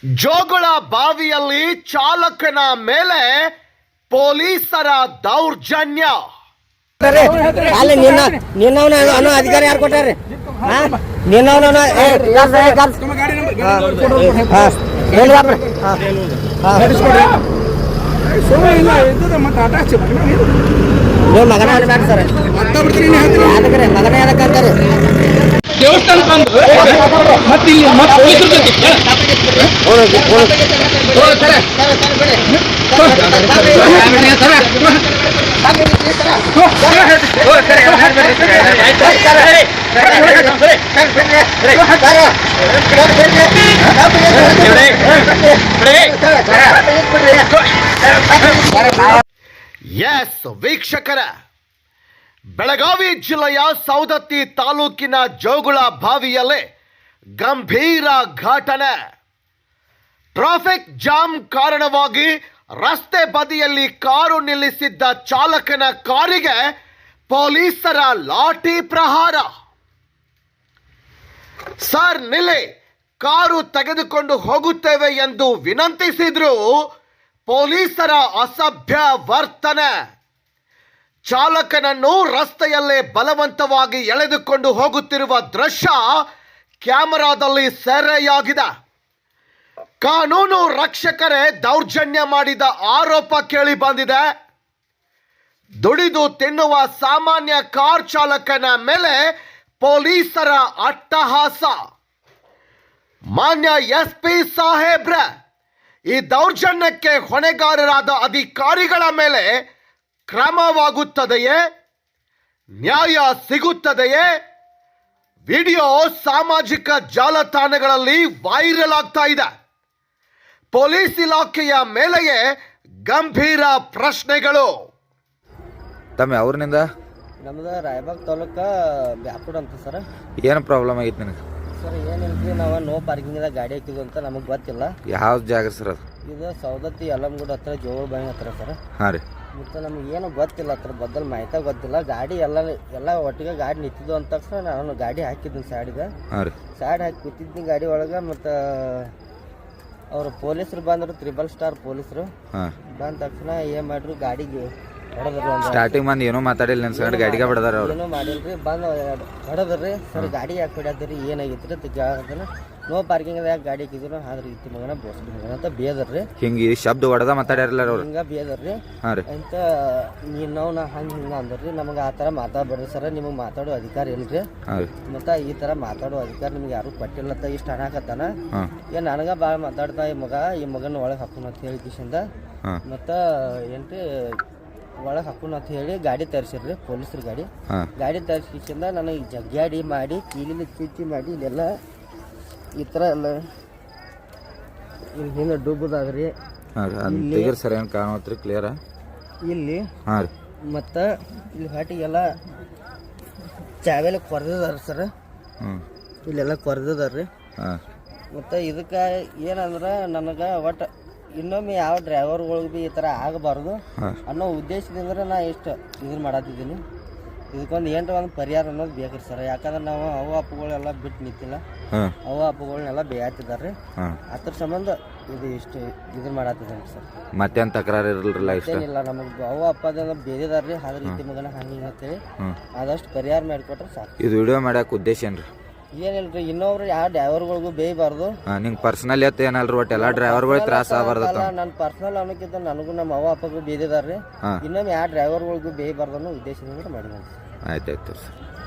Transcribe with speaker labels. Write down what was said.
Speaker 1: ಜೋಗುಳ ಬಾವಿಯಲ್ಲಿ ಚಾಲಕನ ಮೇಲೆ ಪೊಲೀಸರ ದೌರ್ಜನ್ಯ.
Speaker 2: ನಿನ್ನವನ ಅಧಿಕಾರಿ ಯಾರು ಕೊಟ್ಟಾರೆ? ನೀವು ಮಗನ ಅನ್ಬೇಕು ಸರ್, ಮಗನ ಯಾಕಂತಾರೆ
Speaker 3: ದೇವಸ್ಥಾನ ಬಂದು ಮತ್ತೆ ಇಲ್ಲಿ
Speaker 1: ಎಸ್ ವೀಕ್ಷಕರ, ಬೆಳಗಾವಿ ಜಿಲ್ಲೆಯ ಸೌದತ್ತಿ ತಾಲೂಕಿನ ಜೋಗುಳ ಬಾವಿಯಲ್ಲಿ ಗಂಭೀರ ಘಟನೆ. ಟ್ರಾಫಿಕ್ ಜಾಮ್ ಕಾರಣವಾಗಿ ರಸ್ತೆ ಬದಿಯಲ್ಲಿ ಕಾರು ನಿಲ್ಲಿಸಿದ್ದ ಚಾಲಕನ ಕಾರಿಗೆ ಪೊಲೀಸರ ಲಾಠಿ ಪ್ರಹಾರ. ಸರ್ ನಿಲ್ಲಿ, ಕಾರು ತೆಗೆದುಕೊಂಡು ಹೋಗುತ್ತೇವೆ ಎಂದು ವಿನಂತಿಸಿದ್ರು ಪೊಲೀಸರ ಅಸಭ್ಯ ವರ್ತನೆ. ಚಾಲಕನನ್ನು ರಸ್ತೆಯಲ್ಲೇ ಬಲವಂತವಾಗಿ ಎಳೆದುಕೊಂಡು ಹೋಗುತ್ತಿರುವ ದೃಶ್ಯ ಕ್ಯಾಮೆರಾದಲ್ಲಿ ಸೆರೆಯಾಗಿದೆ. ಕಾನೂನು ರಕ್ಷಕರೇ ದೌರ್ಜನ್ಯ ಮಾಡಿದ ಆರೋಪ ಕೇಳಿ ಬಂದಿದೆ. ದುಡಿದು ತಿನ್ನುವ ಸಾಮಾನ್ಯ ಕಾರ್ ಚಾಲಕನ ಮೇಲೆ ಪೊಲೀಸರ ಅಟ್ಟಹಾಸ. ಮಾನ್ಯ SP ಸಾಹೇಬ್ರ, ಈ ದೌರ್ಜನ್ಯಕ್ಕೆ ಹೊಣೆಗಾರರಾದ ಅಧಿಕಾರಿಗಳ ಮೇಲೆ ಕ್ರಮವಾಗುತ್ತದೆಯೇ? ನ್ಯಾಯ ಸಿಗುತ್ತದೆಯೇ? ವಿಡಿಯೋ ಸಾಮಾಜಿಕ ಜಾಲತಾಣಗಳಲ್ಲಿ ವೈರಲ್ ಆಗ್ತಾ ಇದೆ. ಪೊಲೀಸ್ ಇಲಾಖೆಯ ಮೇಲೆಯೇ ಗಂಭೀರ ಪ್ರಶ್ನೆಗಳು.
Speaker 4: ತಮ್ಮ ಅವ್ರನಿಂದ
Speaker 2: ನಮ್ದು ರಾಯಬಾಗ್ ತಾಲೂಕ ಬ್ಯಾಪುಡ್ ಅಂತ ಸರ್.
Speaker 4: ಏನು ಪ್ರಾಬ್ಲಮ್ ಆಗಿತ್ತು ನಿನಗೆ?
Speaker 2: ಸರ್ ಏನಿಲ್ರಿ, ನಾವು ನೋ ಪಾರ್ಕಿಂಗ್ದಾಗ ಗಾಡಿ ಹಾಕಿದ್ವು ಅಂತ ನಮಗೆ ಗೊತ್ತಿಲ್ಲ.
Speaker 4: ಯಾವ ಜಾಗ ಸರ್ ಅದು?
Speaker 2: ಇದು ಸೌದತ್ತಿ ಯಲ್ಲಮ್ಮಗುಡ ಹತ್ರ ಜೋಗುಳ ಬಾವಿ ಹತ್ರ ಸರ್.
Speaker 4: ಹಾಂ ರೀ.
Speaker 2: ಮತ್ತು ನಮ್ಗೆ ಏನು ಗೊತ್ತಿಲ್ಲ, ಅದ್ರ ಬದಲು ಮಾಹಿತಿ ಗೊತ್ತಿಲ್ಲ. ಗಾಡಿ ಎಲ್ಲ ಒಟ್ಟಿಗೆ ಗಾಡಿ ನಿಂತಿದ್ದು ಅಂತ ತಕ್ಷಣ ನಾನು ಗಾಡಿ ಹಾಕಿದ್ದೀನಿ ಸೈಡ್ಗೆ.
Speaker 4: ಹಾಂ ರೀ.
Speaker 2: ಸೈಡ್ ಹಾಕಿ ಕೂತಿದ್ದೀನಿ ಗಾಡಿ ಒಳಗೆ. ಮತ್ತು ಅವರು ಪೊಲೀಸರು ಬಂದರು, 3 ಸ್ಟಾರ್ ಪೊಲೀಸರು.
Speaker 4: ಹಾಂ.
Speaker 2: ಬಂದ ತಕ್ಷಣ ಏನು ಮಾಡ್ರು, ಗಾಡಿಗೆ
Speaker 4: ಸ್ಟಾರ್ಟಿಂಗ್ ಬಂದು ಏನೋ ಮಾತಾಡಿಲ್ಲ ನನ್ನ ಸೈಡ್ ಗಾಡಿಗೆ ಬಿಡದಾರ ಅವ್ರು.
Speaker 2: ಏನೋ ಮಾಡಿಲ್ರಿ, ಬಂದು ಹೊಡೆದ್ರಿ. ಸರ್ ಗಾಡಿ ಯಾಕೆ ಹೊಡ್ಯಾದ್ರಿ, ಏನಾಗಿತ್ತು ಅಂತ ಕೇಳೋದನ್ನ. ನೋ ಪಾರ್ಕಿಂಗ್ ಯಾಕೆ ಗಾಡಿ ಹಾಕಿದ್ರು, ಆದ್ರೆ ಇತ್ತು ಮಗನ ಬೋಸ್ ಮಗನ ಅಂತ ಬೇದರ್ರಿ.
Speaker 4: ಹಿಂಗೆ ಶಬ್ದ ಹೊಡೆದ ಮಾತಾಡ್ಯಾರಲ್ಲ ಅವ್ರು.
Speaker 2: ಹಿಂಗೆ ಬೇದರ್ರಿ.
Speaker 4: ಹಾಂ ರೀ.
Speaker 2: ಅಂತ ನಾವು ಹಂಗೆ ಹಿಂಗೆ ಅಂದ್ರಿ. ನಮಗೆ ಆ ಥರ ಮಾತಾಡ್ಬೇಡ್ರಿ ಸರ್, ನಿಮಗೆ ಮಾತಾಡೋ ಅಧಿಕಾರ ಇಲ್ರಿ.
Speaker 4: ಹಾಂ ರೀ.
Speaker 2: ಮತ್ತು ಈ ಥರ ಮಾತಾಡೋ ಅಧಿಕಾರ ನಿಮ್ಗೆ ಯಾರು ಕೊಟ್ಟಿಲ್ಲ ಅಂತ ಇಷ್ಟು ಅನ್ನಕತ್ತಾನ.
Speaker 4: ಹಾಂ.
Speaker 2: ಏನು ನನಗೆ ಭಾಳ ಮಾತಾಡ್ತಾ ಈ ಮಗನ ಒಳಗೆ ಹಾಕೋಣ ಅಂತ ಹೇಳಿ ಕಿಶಿಂದ. ಮತ್ತು ಏನ್ರಿ ಒಳಗೆ ಹಾಕೋಣ ಅಂತ ಹೇಳಿ ಗಾಡಿ ತರಿಸಿರ್ರಿ, ಪೊಲೀಸರು ಗಾಡಿ ತರಿಸಿಂದ ನನಗೆ ಜಗ್ಗಾಡಿ ಮಾಡಿ ಕೀಲಿಲಿ ಚುಚ್ಚಿ ಮಾಡಿ ಇಲ್ಲೆಲ್ಲ ಈ ಥರ ಎಲ್ಲ ಇಲ್ಲಿ ಹಿಂದೆ ಡುಬ್ಬದಾಗ್ರಿ.
Speaker 4: ಸರ್ ಏನು ಕಾಣತ್ರಿ ಕ್ಲಿಯರ
Speaker 2: ಇಲ್ಲಿ.
Speaker 4: ಹಾಂ ರೀ.
Speaker 2: ಮತ್ತು ಇಲ್ಲಿ ಹಾಟಿಗೆಲ್ಲ ಚಾವೆಲ್ಲ ಕೊರೆದಿದಾರ ಸರ್. ಇಲ್ಲೆಲ್ಲ ಕೊರೆದಿದಾರ್ರಿ.
Speaker 4: ಹಾಂ.
Speaker 2: ಮತ್ತು ಇದಕ್ಕೆ ಏನಂದ್ರೆ ನನಗೆ ಒಟ್ಟು ಇನ್ನೊಮ್ಮೆ ಯಾವ ಡ್ರೈವರ್ಗಳಿಗೆ ಭೀ ಈ ಥರ ಆಗಬಾರ್ದು ಅನ್ನೋ ಉದ್ದೇಶದಿಂದ ನಾ ಎಷ್ಟು ಇದನ್ನು ಮಾಡತ್ತಿದ್ದೀನಿ. ಇದಕ್ಕೊಂದು ಏನರ ಒಂದು ಪರಿಹಾರ ಅನ್ನೋದು ಬೇಕ್ರಿ ಸರ್. ಯಾಕಂದ್ರೆ ನಾವು ಅವು ಅಪ್ಪಗಳೆಲ್ಲ ಬಿಟ್ಟು ನಿಂತಿಲ್ಲ, ಅವು ಅಪ್ಪಗಳನ್ನೆಲ್ಲ ಬೇಯತ್ತಿದ್ದಾರೆ. ಅದ್ರ ಸಂಬಂಧ ಇದು ಇಷ್ಟು ಇದನ್ನು ಮಾಡತ್ತಿದ್ದೀನಿ ಸರ್.
Speaker 4: ಮತ್ತೇನು ತಕರಾರು ಇರಲಿಲ್ಲ?
Speaker 2: ಏನಿಲ್ಲ, ನಮಗೆ ಅವು ಅಪ್ಪದೆಲ್ಲ ಬೇದಿದಾರ್ರಿ. ಆದ್ರೆ ರೀತಿ ಮಗನ ಹಂಗೆ ಅಂತೇಳಿ ಆದಷ್ಟು ಪರಿಹಾರ ಮಾಡಿಕೊಟ್ರೆ ಸಾಕು.
Speaker 4: ಇದು ವಿಡಿಯೋ ಮಾಡಕ್ಕೆ ಉದ್ದೇಶ ಏನ್ರಿ?
Speaker 2: ಏನಿಲ್ರಿ, ಇನ್ನೊಬ್ರು ಯಾವ ಡ್ರೈವರ್ಗಳಿಗೂ ಬೇಯಬಾರ್ದು.
Speaker 4: ನಿಂಗೆ ಪರ್ಸನಲ್ ಎತ್ತ ಏನಲ್ರಿ, ಒಟ್ಟು ಎಲ್ಲ ಡ್ರೈವರ್ಗಳಿಗೆ ತ್ರಾಸ ಆಗಬಾರ್ದು.
Speaker 2: ನನ್ನ ಪರ್ಸನಲ್ ಅನ್ನೋಕ್ಕಿಂತ ನನಗೂ ನಮ್ಮ ಅವ್ವ ಅಪ್ಪಗೂ ಬೇದಿದಾರ್ರಿ. ಇನ್ನೊಮ್ಮೆ ಯಾವ ಡ್ರೈವರ್ಗಳಿಗೂ ಬೇಯಬಾರ್ದು ಅನ್ನೋ ಉದ್ದೇಶದಿಂದ ಮಾಡಿದ್ದೀನಿ.
Speaker 4: ಆಯ್ತಾಯ್ತು ಸರ್.